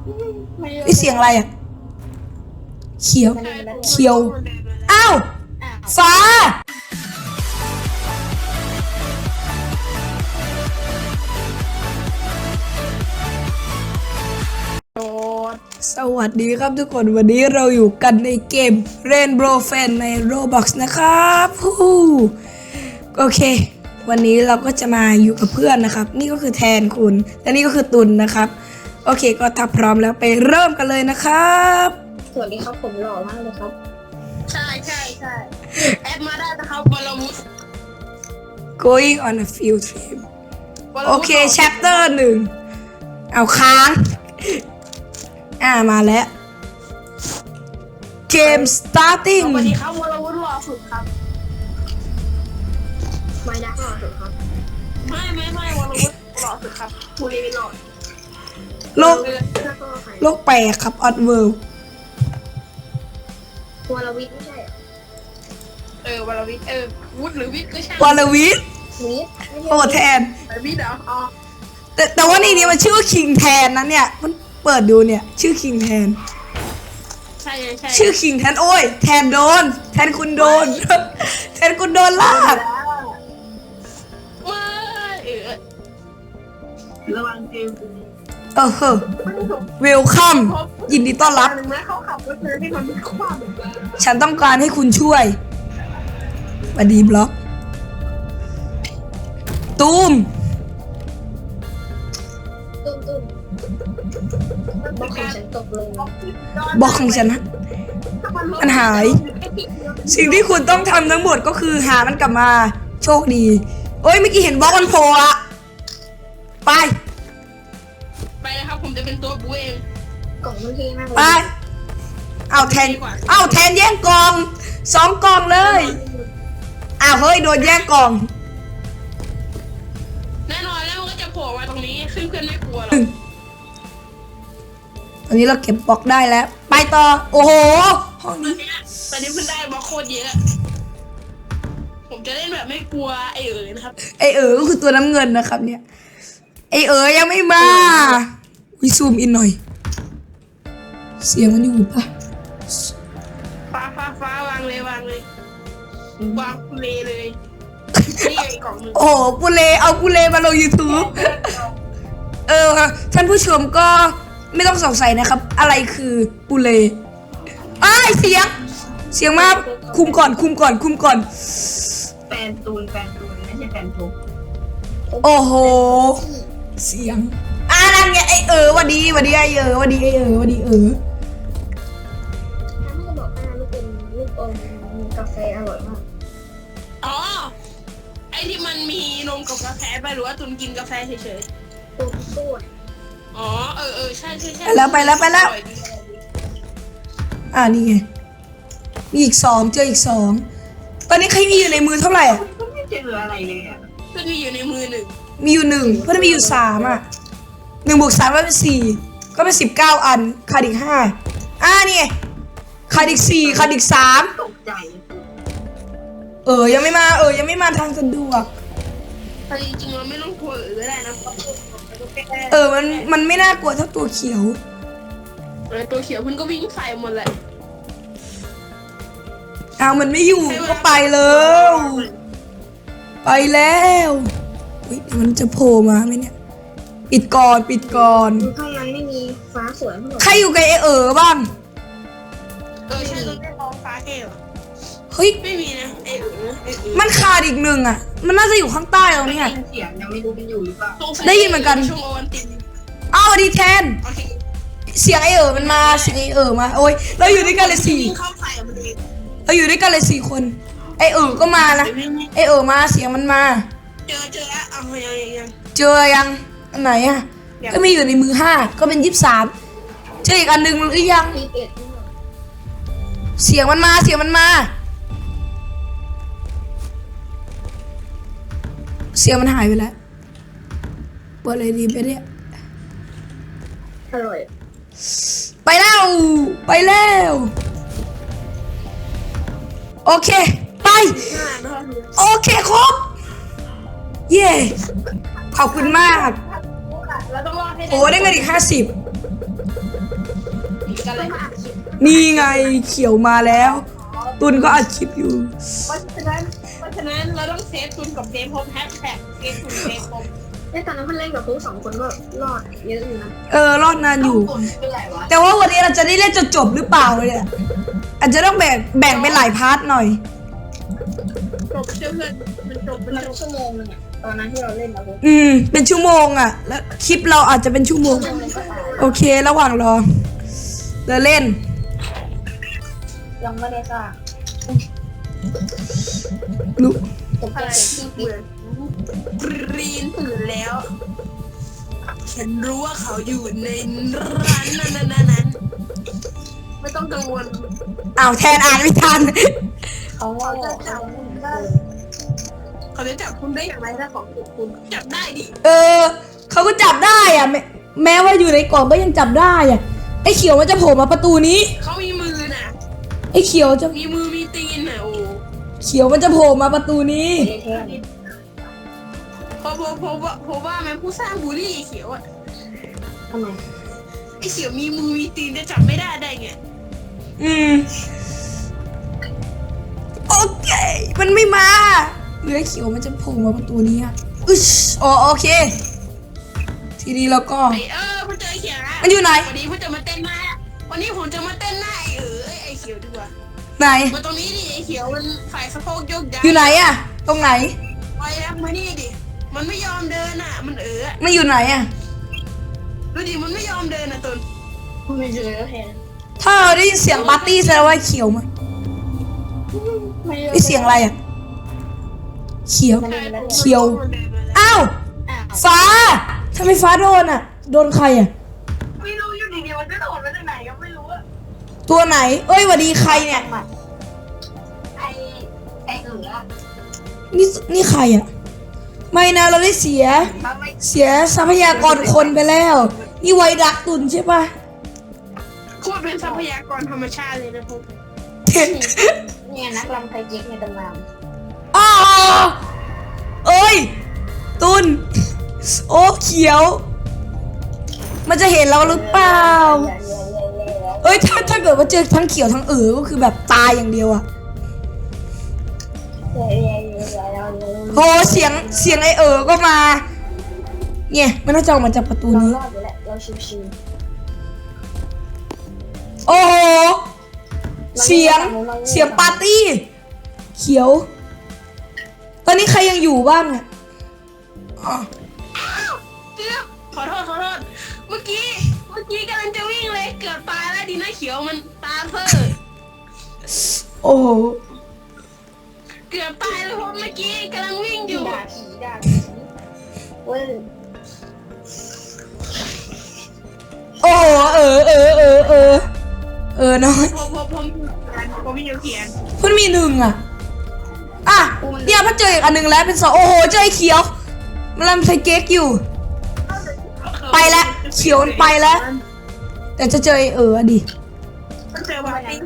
เสียงอะไรอ่ะเขียวเขียวอ้าวฟ้าสวัสดีครับทุกคนวันนี้เราอยู่กันในเกม Rainbow Friends ใน Roblox นะครับโอเควันนี้เราก็จะมาอยู่กับเพื่อนนะครับนี่ก็คือแทนคุณและนี่ก็คือตุลนะครับโอเคก็ถ้าพร้อมแล้วไปเริ่มกันเลยนะครับสวัสดีครับผมหล่อมากเลยครับใช่แอดมาได้นะครับวรวุฒิ going on a field trip โอเค chapter 1เอาค้างมาแล้วเกม starting สวัสดีครับวรวุฒิหล่อสุดครับไม่ได้หล่อสุดครับไม่วรวุฒิหล่อสุดครับภูริหล่อโลกแปลกครับ odd world วรวิทย์ไม่ใช่วรวิทย์วุฒิหรือวิทย์ไม่ใช่วรวิทย์โอ้แทนวิทย์เหรออ๋อแต่ว่าในนี้มันชื่อคิงแทนนะเนี่ยมันเปิดดูเนี่ยชื่อคิงแทนใช่ชื่อคิงแทนโอ้ยแทนโดนแทนคุณโดนแทนคุณโดนลากระวังเกมเวลคัมยินดีต้อนรับเขาขับรถเธอที่มันคว่ำฉันต้องการให้คุณช่วยสวัสดีบล็อกตูมบล็อกของฉันตกลงบล็อกของฉันนะมันหายสิ่งที่คุณต้องทำทั้งหมดก็คือหามันกลับมาโชคดีเอ้ยเมื่อกี้เห็นบล็อกมันโผล่อะไปนะครับผมจะเป็นตัวบูเองกล่องมันเท่มากเลยไปเอาแทนแย่งกล่อง2 กล่องเลยเฮ้ยโดนแย่งกล่องแน่นอนแล้วมันก็จะโผล่มาตรงนี้ซึ่งเพื่อนไม่กลัวหรอกตอนนี้เราเก็บบล็อกได้แล้วไปต่อโอ้โหห้องนี้ตอนนี้เพิ่งได้บล็อกโคตรเยอะผมจะเล่นแบบไม่กลัวนะครับก็คือตัวน้ำเงินนะครับเนี่ยยังไม่มาวิซูมอินหน่อยเสียงมันอยู่ปะฟ้าวางเลยวางปุเลเลยนี่ไอ้กล่องนึงโอ้ปุเลเอาปุเลมาลง YouTube ท่านผู้ชมก็ไม่ต้องสงสัยนะครับอะไรคือปุเลเสียงมากคุมก่อนแฟนตูนไม่ใช่แฟนทุกโอ้โหเสียงนั่นไงวันดีไอ้วันดีถ้าไม่บอกว่าลูกเป็นลูกอมกาแฟอร่อยมากอ๋อไอที่มันมีนมกับกาแฟไปหรือว่าตุนกินกาแฟเฉยๆตูนอ๋อใช่ไปแล้วนี่ไงมีอีก2เจออีก2ตอนนี้ใครมีอยู่ในมือเท่าไหร่ไม่เจออะไรเลยเพื่อนมีอยู่ในมือ1 มีอยู่1เพื่อนมีอยู่31 บวก 3ก็เป็น4ก็เป็น19 อันขาดอีก5นี่ขาดอีก4ขาดอีก3 ตกใจยังไม่มาทางสะดวกแต่จริงๆเราไม่ต้องกลัวก็ได้นะมันไม่น่ากลัวเท่าตัวเขียวตัวเขียวมันก็วิ่งใส่หมดแหละมันไม่อยู่ก็ไปแล้วเฮ้ยมันจะโผล่มาไหมเนี่ยปิดก่อนข้างในไม่มีฟ้าสวยเท่าไหร่ใครอยู่กับบ้างใช่ต้องได้มองฟ้าเกลเฮ้ยไม่มีนะมันขาดอีก1มันน่าจะอยู่ข้างใต้ตรงนี้เสียงยังไม่รู้เป็นอยู่หรือเปล่าได้ยินเหมือนกันช่วงโอวันติดดีแทนเสียงมันมาเสียงมาโอ้ยเราอยู่ด้วยกันเลย4เราอยู่ด้วยกันเลย4 คนก็มานะมาเสียงมันมาเจอยังอันไหนก็มีอยู่ในมือ5ก็เป็น23เจออีกอันหนึ่งหรือยังเสียงมันมาเสียงมันหายไปแล้วเปิดเลยดีไปเนี่ยอร่อยไปแล้วโอเคไปโอเคครบเย้ขอบคุณมากโอ้ได้เงินอีก50 กันเลยนี่ไงเขียวมาแล้ว ตุนก็อัดคลิปอยู่เพราะฉะนั้นเราต้องเซฟตุนกับเซฟพบแฮชแท็กเซฟตุนเซฟพบตอนนั้นมันเล่นกับพวก2 คนก็รอดเยอะอยู่นะรอดนานอยู่เป็นไรวะแต่ว่าวันนี้เราจะได้เล่นจนจบหรือเปล่าเนี่ยอาจจะต้องแบ่งเป็นหลายพาร์ทหน่อยจบเพื่อนมันจบเป็นชั่วโมงนึงอะตอนนั้นที่เราเล่นนะพวกเป็นชั่วโมงอ่ะ แล้วคลิปเราอาจจะเป็นชั่วโมง โอเค ระหว่างรอเราเล่นยังไม่ได้สร้างรู้ผมเป็นที่ปิดรีนตื่นแล้ว ฉันรู้ว่าเขาอยู่ในร้านนั้นไม่ต้องกังวลอ้าวแทนอ่านไม่ทันเขาจะจับคุณได้เขาจะจับคุณได้อย่างไรถ้าของถูกคุณจับได้ดิเขาก็จับได้อ่ะแม้ว่าอยู่ในกล่องก็ยังจับได้อ่ะไอ้เขียวมันจะโผล่มาประตูนี้เขามีมือน่ะไอ้เขียวจะมีมือมีตีนน่ะโอ้เขียวมันจะโผล่มาประตูนี้เพราะว่าแม่ผู้สร้างบูลลี่เขียวอะทำไมไอ้เขียวมีมือมีตีนจะจับไม่ได้ไงโอเค มันไม่มาเหลือเขียวมันจะโผล่มาประตูนี้อ่ะโอเค ทีนี้เราก็คุณเจอเขียวนะมันอยู่ไหนวันนี้ผมจะมาเต้นหน้าวันนี้ผมจะมาเต้นหน้าไอ้เขียวดีกว่าไหนมาตรงนี้ดิไอ้เขียวมันฝ่ายสะโพกยกย้ายอยู่ไหนอ่ะ ตรงไหนไปแล้วมานี่ดิมันไม่ยอมเดินอ่ะมันมันอยู่ไหนอ่ะดูดิมันไม่ยอมเดินอ่ะตุนไม่เจอแล้วแทนถ้าเราได้ยินเสียงปาร์ตี้แสดงว่าเขียวมาไอเสียงอะไรอ่ะ เขียว อ้าว ฟ้าทำไมฟ้าโดนอ่ะ โดนใครอ่ะไม่รู้อยู่ดีๆมันก็โดดมาจากไหนก็ไม่รู้อะตัวไหน เอ้ยหวัดดีใครเนี่ยไอ้นี่ใครอ่ะ ไม่นะเราได้เสียทรัพยากรคนไปแล้ว นี่ไวรักตุนใช่ปะโคตรเป็นทรัพยากรธรรมชาติเลยนะพวกเนี่ยนักรำไทยเจ๊กในตำนานอ้าเอ้ย ตุน โอ้เขียว มันจะเห็นเราหรือเปล่า เอ้ยถ้าเกิดว่าเจอทั้งเขียวทั้งก็คือแบบตายอย่างเดียวอะโหเสียงไอก็มา เนี่ยมันน่าจะออกมาจากประตูนี้เราชิวโอ้โหเสียงปาร์ตี้ เขียว ตอนนี้ใครยังอยู่บ้างอะอ๋อขอโทษเมื่อกี้กำลังจะวิ่งเลยเกือบตายแล้วดีนะเขียวมันตาเพ้อโอ้โหเกือบตายเลยเพราะเมื่อกี้กำลังวิ่งอยู่ด่าผีเว้ยโอ้โหน้อยผมมีเขียนเพิ่งมี1อ่ะเนี่ยมันเจออีกอันหนึ่งแล้วเป็น2โอ้โหเจอไอ้เขียวมันทำไซเก๊กอยู่ ไปแล้วเขียวมันไปแล้ว แต่จะเจอไอ้อะดิมันเจอปาร์ตี้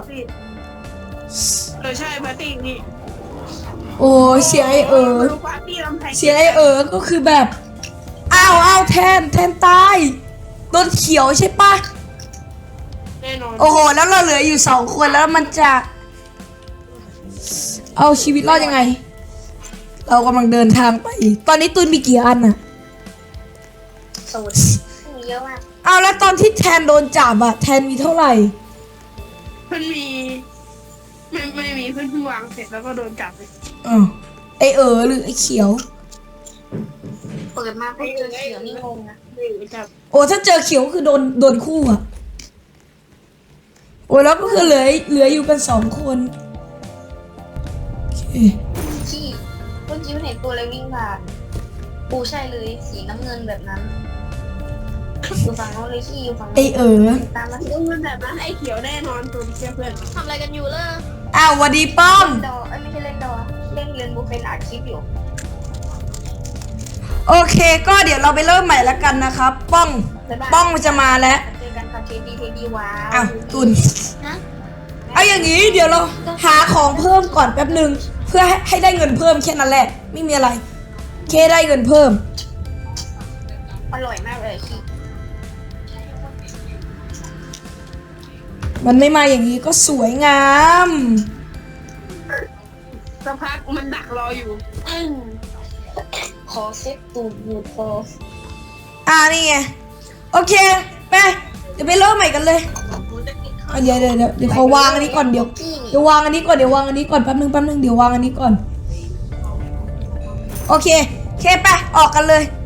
ใช่ปาร์ตี้นี่โอ้เสียงไอ้เสียงไอ้ก็คือแบบอ้าวแทนตายโดนเขียวใช่ปะแน่นอนโอ้โหแล้วเราเหลืออยู่2คนแล้วมันจะเอาชีวิตรอดยังไง เรากำลังเดินทางไป ตอนนี้ตุนมีกี่อันอะสูตรมีเยอะมากเอาแล้วตอนที่แทนโดนจับอะแทนมีเท่าไหร่เพื่อนมีไม่มีเพื่อนเพิ่งวางเสร็จแล้วก็โดนจับเลยไอหรือไอเขียวเปิดมาเพื่อเจอเขียวนี่งงนะจับโอ้ถ้าเจอเขียวคือโดนคู่อะโอ้แล้วก็คือเหลืออยู่กัน2 คนโอเคขี้เมื่อกี้มันเห็นตัวอะไรวิ่งผ่านปูใช่เลยสีน้ำเงินแบบนั้นอยู่ฝั่งโน้นเลยขี้อยู่ฝั่งโน้นไอตามมาดูมันแบบนั้นไอ้เขียวแน่นอนตัวเชื่อเพื่อนทำอะไรกันอยู่ล่ะอ้าวหวัดดีป้อมดอไม่ใช่เล่นดอเล่นเรียนบูเฟนอัดคลิปอยู่โอเคก็เดี๋ยวเราไปเริ่มใหม่แล้วกันนะครับป้องมันจะมาแล้วเจอกันค่ะเทดีว้าอ้าวตุนนะเอาอย่างนี้เดี๋ยวเราหาของเพิ่มก่อนแป๊บหนึ่งเพื่อให้ได้เงินเพิ่มแค่นั้นแหละไม่มีอะไรแค่ได้เงินเพิ่มอร่อยมากเลยขี้มันไม่มาอย่างนี้ก็สวยงามสักพักมันดักรออยู่ขอเซ็ตตูดอยู่พอนี่ไงโอเคไปเดี๋ยวไปเริ่มใหม่กันเลยเดี๋ยวขอวางอันนี้ก่อนเดี๋ยววางอันนี้ก่อนแป๊บนึงเดี๋ยววางอันนี้ก่อนโอเคไปออกกันเลย